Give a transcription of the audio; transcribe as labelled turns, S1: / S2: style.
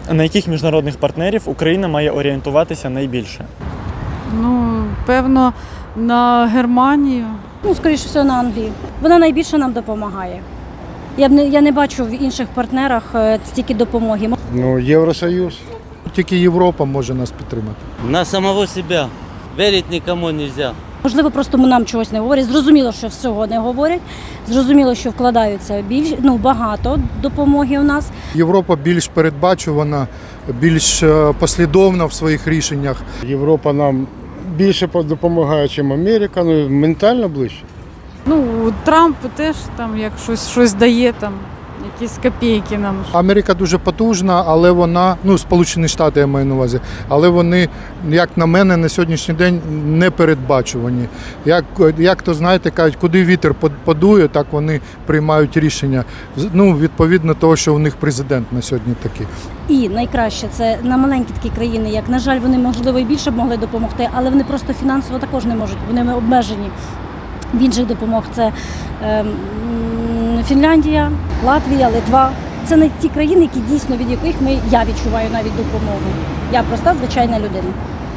S1: На яких міжнародних партнерів Україна має орієнтуватися найбільше?
S2: Ну, певно, на Германію.
S3: Ну, скоріше всього, на Англію. Вона найбільше нам допомагає. Я не бачу в інших партнерах стільки допомоги.
S4: Ну, Євросоюз.
S5: Тільки Європа може нас підтримати.
S6: На самого себя. Верить никому нельзя.
S3: Можливо, просто нам чогось не говорять. Зрозуміло, що всього не говорять. Зрозуміло, що вкладаються багато допомоги у нас.
S5: Європа більш передбачувана, більш послідовна в своїх рішеннях.
S4: Європа нам більше допомагає, ніж Америка, ну ментально ближче.
S2: Ну, Трамп теж там як щось дає, там якісь копійки нам.
S5: Америка дуже потужна, але вона, Сполучені Штати я маю на увазі, але вони, як на мене, на сьогоднішній день не передбачувані. Як то знаєте, кажуть, куди вітер подує, так вони приймають рішення. Відповідно того, що у них президент на сьогодні такий.
S3: І найкраще це на маленькі такі країни, як, на жаль, вони, можливо, і більше б могли допомогти, але вони просто фінансово також не можуть, вони обмежені. В інших допомог це Фінляндія, Латвія, Литва. Це не ті країни, від яких я відчуваю навіть допомогу. Я проста, звичайна людина.